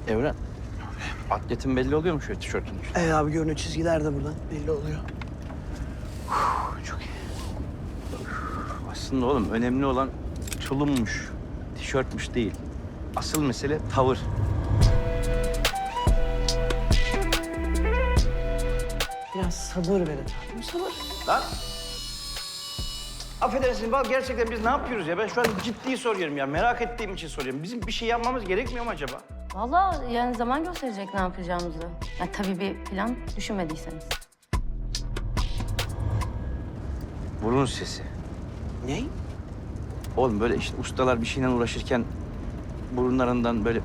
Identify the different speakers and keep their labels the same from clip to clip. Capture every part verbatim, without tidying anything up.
Speaker 1: Evren, atletin belli oluyor mu şöyle tişörtün üstünde?
Speaker 2: Evet abi görünüyor, çizgiler de buradan belli oluyor.
Speaker 1: Çok iyi. Aslında oğlum önemli olan tulummuş, tişörtmüş değil. Asıl mesele tavır.
Speaker 2: Biraz sabır verin abi, sabır.
Speaker 1: Lan! Affedersin bak gerçekten biz ne yapıyoruz ya? Ben şu an ciddi soruyorum ya. Merak ettiğim için soruyorum. Bizim bir şey yapmamız gerekmiyor mu acaba?
Speaker 3: Vallahi yani zaman gösterecek ne yapacağımızı. Ya tabii bir plan düşünmediyseniz.
Speaker 1: Burun sesi.
Speaker 2: Ne?
Speaker 1: Oğlum böyle işte ustalar bir şeyle uğraşırken burunlarından böyle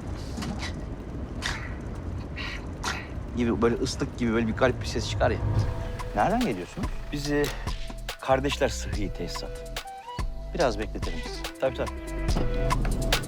Speaker 1: gibi böyle ıslık gibi böyle bir garip bir ses çıkar ya.
Speaker 4: Nereden geliyorsunuz?
Speaker 1: Biz e, kardeşler sıhhi tesisat.
Speaker 4: Biraz bekletelim sizi.
Speaker 1: Tabii tabii.